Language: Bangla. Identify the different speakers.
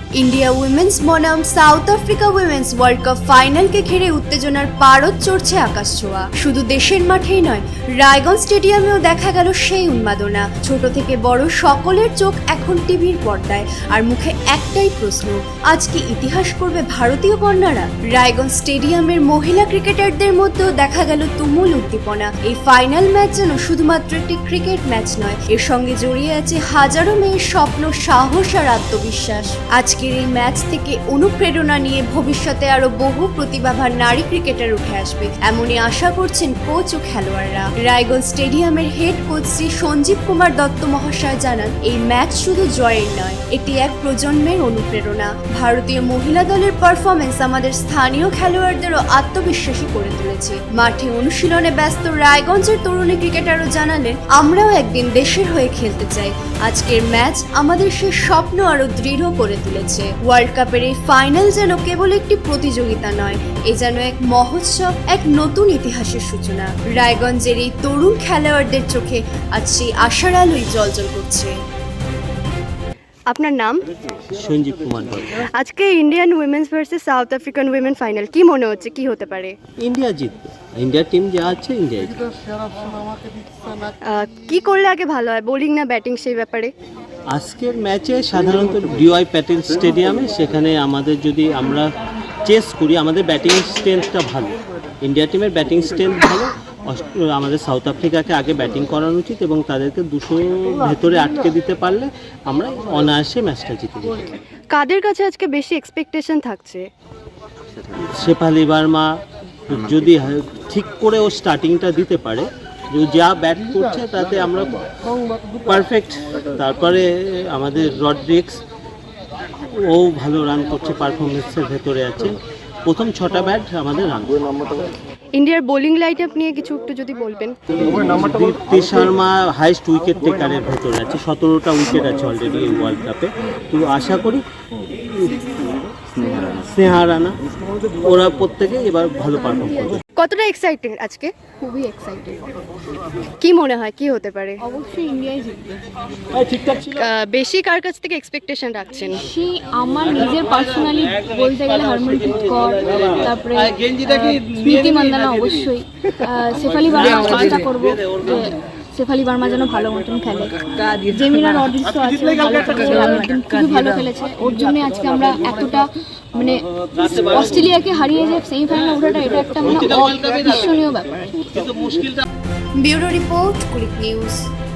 Speaker 1: ইন্ডিয়া উইমেন্স বনাম South Africa women's world cup ফাইনালকে ঘিরে উত্তেজনার পারদ চড়ছে আকাশ ছোঁয়া। শুধু দেশের মাঠেই নয়, রায়গঞ্জ স্টেডিয়ামেও দেখা গেল সেই উন্মাদনা। ছোট থেকে বড় সকলের চোখ এখন টিভির পর্দায়, আর মুখে একটাই প্রশ্ন, আজ কি ইতিহাস করবে ভারতীয় কন্যারা? রায়গঞ্জ স্টেডিয়ামের মহিলা ক্রিকেটারদের মধ্যেও দেখা গেল তুমুল উদ্দীপনা। এই ফাইনাল ম্যাচ যেন শুধুমাত্র একটি ক্রিকেট ম্যাচ নয়, এর সঙ্গে জড়িয়ে আছে হাজারো মেয়ের স্বপ্ন, সাহস আর আত্মবিশ্বাস। আজকের এই ম্যাচ থেকে অনুপ্রেরণা নিয়ে ভবিষ্যতে আরো বহু প্রতিভাবান নারী ক্রিকেটার উঠে আসবে, এমনই আশা করছেন কোচ ও খেলোয়াড়রা। রায়গঞ্জ স্টেডিয়ামের হেড কোচ শ্রী সঞ্জীব কুমার দত্ত মহাশয় জানান, এই ম্যাচ শুধু জয়ের নয়, এটি এক প্রজন্মের অনুপ্রেরণা। ভারতীয় মহিলা দলের পারফরমেন্স আমাদের স্থানীয় খেলোয়াড়দেরও আত্মবিশ্বাসী করে তুলেছে। মাঠে অনুশীলনে ব্যস্ত রায়গঞ্জের তরুণী ক্রিকেটারও জানালেন, আমরাও একদিন দেশের হয়ে খেলতে চাই। আজকের ম্যাচ আমাদের সেই স্বপ্ন আরো দৃঢ় করে তুলেছে। ওয়ার্ল্ড কাপের এই ফাইনাল যেন কেবল একটি প্রতিযোগিতা নয়, এ যেন এক মহোৎসব, এক নতুন ইতিহাসের সূচনা। রায়গঞ্জের এই তরুণ খেলোয়াড়দের চোখে আজ সেই আশার আলোই জ্বলজ্বল করছে। আপনার নাম?
Speaker 2: সঞ্জীব কুমার দত্ত।
Speaker 1: আজকে Indian women's versus South African women final, কি মনে হচ্ছে, কি হতে পারে?
Speaker 2: ইন্ডিয়া জিতবে, ইন্ডিয়ার টিম যা আছে ইন্ডিয়া জিতবে।
Speaker 1: কি করলে আগে ভালো হয়, বোলিং না ব্যাটিং, সেই ব্যাপারে?
Speaker 2: আজকের ম্যাচে সাধারণত ডিওয়াই প্যাটেল স্টেডিয়ামে, সেখানে আমাদের যদি আমরা চেস করি, আমাদের ব্যাটিং স্ট্রেংথটা ভালো, ইন্ডিয়া টিমের ব্যাটিং স্ট্রেংথ ভালো। আমাদের সাউথ আফ্রিকাকে আগে ব্যাটিং করানো উচিত এবং তাদেরকে 200 ভেতরে আটকে দিতে পারলে আমরা অনায়াসে ম্যাচটা জিতে যাব।
Speaker 1: কাদের কাছে আজকে বেশি এক্সপেকটেশন থাকছে?
Speaker 2: শেফালি বার্মা যদি ঠিক করে ও স্টার্টিংটা দিতে পারে, যে যা ব্যাট করছে তাতে আমরা পারফেক্ট। তারপরে আমাদের রড্রিক্স, ও ভালো রান করছে, পারফরমেন্সের ভেতরে আছে। প্রথম 6টা ব্যাট আমাদের রান।
Speaker 1: ইন্ডিয়ার বোলিং লাইট আপ নিয়ে কিছু একটু যদি বলবেন।
Speaker 2: দীপ্তি শর্মা হাইস্ট উইকেট টেকারের ভেতরে আছে, 17টা উইকেট আছে অলরেডি এই ওয়ার্ল্ড কাপে। তো আশা করি স্নেহা রানা, ওরা প্রত্যেকে এবার ভালো পারফর্ম করবে।
Speaker 1: কতটা এক্সাইটেড আজকে?
Speaker 3: খুবই এক্সাইটেড।
Speaker 1: কি মনে হয় কি হতে পারে?
Speaker 3: অবশ্যই ইন্ডিয়াই জিতবে।
Speaker 1: বেশি কার কাছ থেকে এক্সপেকটেশন রাখছেন?
Speaker 3: সেই আমার নিজের পার্সোনালি বলতে গেলে হরমনপ্রীত কৌর, তারপরে স্মৃতি মান্দানা, অবশ্যই শেফালি বার্মা। চেষ্টা করবো যে শেফালি বার্মা যেন ভালো মতন খেলে। জেমিনা রড্রিক্স আছে, খুবই ভালো খেলেছে, ওর জন্য আজকে আমরা এতটা মানে অস্ট্রেলিয়াকে হারিয়ে যে সেমিফাইনালে ওঠাটা, এটা একটা মানে অবিস্মরণীয় ব্যাপার।
Speaker 1: Bureau report, Kulik news.